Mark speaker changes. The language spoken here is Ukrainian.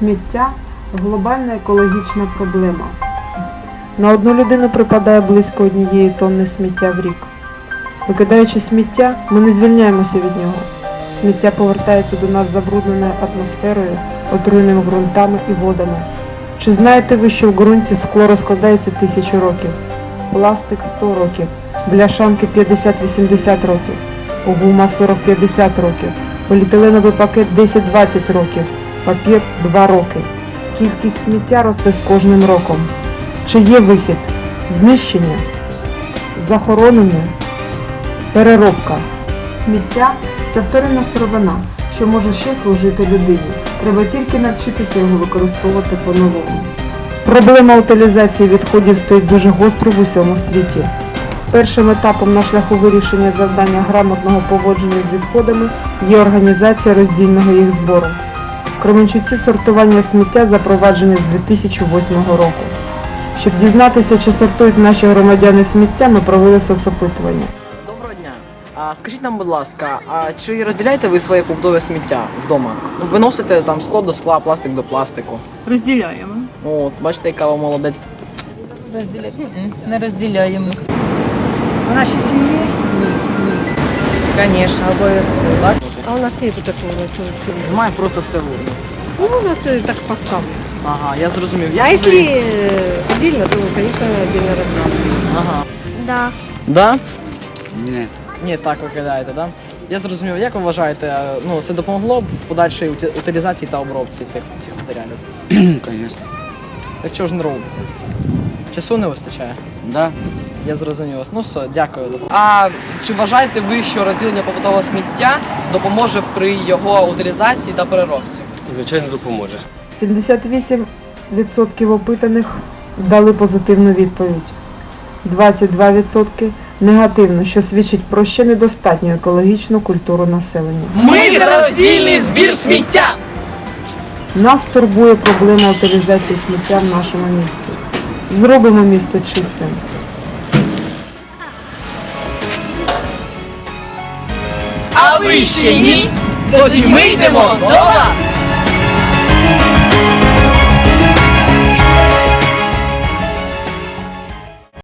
Speaker 1: Сміття – глобальна екологічна проблема. На одну людину припадає близько 1 тонни сміття в рік. Викидаючи сміття, ми не звільняємося від нього. Сміття повертається до нас забрудненою атмосферою, отруєними ґрунтами і водами. Чи знаєте ви, що в ґрунті скло розкладається 1000 років, пластик 100 років, бляшанки 50-80 років, гума 40-50 років, поліетиленовий пакет 10-20 років, папір 2 роки. Кількість сміття росте з кожним роком. Чи є вихід? Знищення? Захоронення? Переробка? Сміття – це вторинна сировина, що може ще служити людині. Треба тільки навчитися його використовувати по-новому. Проблема утилізації відходів стоїть дуже гостро в усьому світі. Першим етапом на шляху вирішення завдання грамотного поводження з відходами є організація роздільного їх збору. В Кременчуці сортування сміття запроваджене з 2008 року. Щоб дізнатися, чи сортують наші громадяни сміття, ми провели соцопитування.
Speaker 2: Доброго дня. Скажіть нам, будь ласка, чи розділяєте ви своє побутове сміття вдома? Ви носите там скло до скла, пластик до пластику?
Speaker 3: Розділяємо.
Speaker 2: От, бачите, яка ви молодець.
Speaker 3: Не розділяємо.
Speaker 4: В нашій сім'ї? Звісно, обов'язково.
Speaker 2: Так?
Speaker 5: А у нас нету такого.
Speaker 2: Немає просто все в урні.
Speaker 5: Ну, у нас так поставлено.
Speaker 2: Ага, я зрозумів.
Speaker 5: А
Speaker 2: Як
Speaker 5: если
Speaker 2: ви-
Speaker 5: отдельно, то, конечно, отдельно разбрасываем.
Speaker 2: Ага.
Speaker 6: Да.
Speaker 2: Да?
Speaker 4: Ні.
Speaker 2: Ні, так ви кидаєте, да? Я зрозумів. Як ви вважаєте, це допомогло б в подальшій утилізації та обробці цих матеріалів?
Speaker 4: Звісно.
Speaker 2: Так чого ж не робите? Часу не вистачає?
Speaker 4: Да.
Speaker 2: Я зрозумів вас. Ну все, дякую. А чи вважаєте ви, що розділення побутового сміття допоможе при його утилізації та переробці?
Speaker 7: Звичайно, допоможе.
Speaker 1: 78% опитаних дали позитивну відповідь. 22% негативно, що свідчить про ще недостатню екологічну культуру населення.
Speaker 2: Ми за роздільний збір сміття!
Speaker 1: Нас турбує проблема утилізації сміття в нашому місті. Зробимо місто чистим.
Speaker 2: А ви ще ні? Тоді ми йдемо до вас!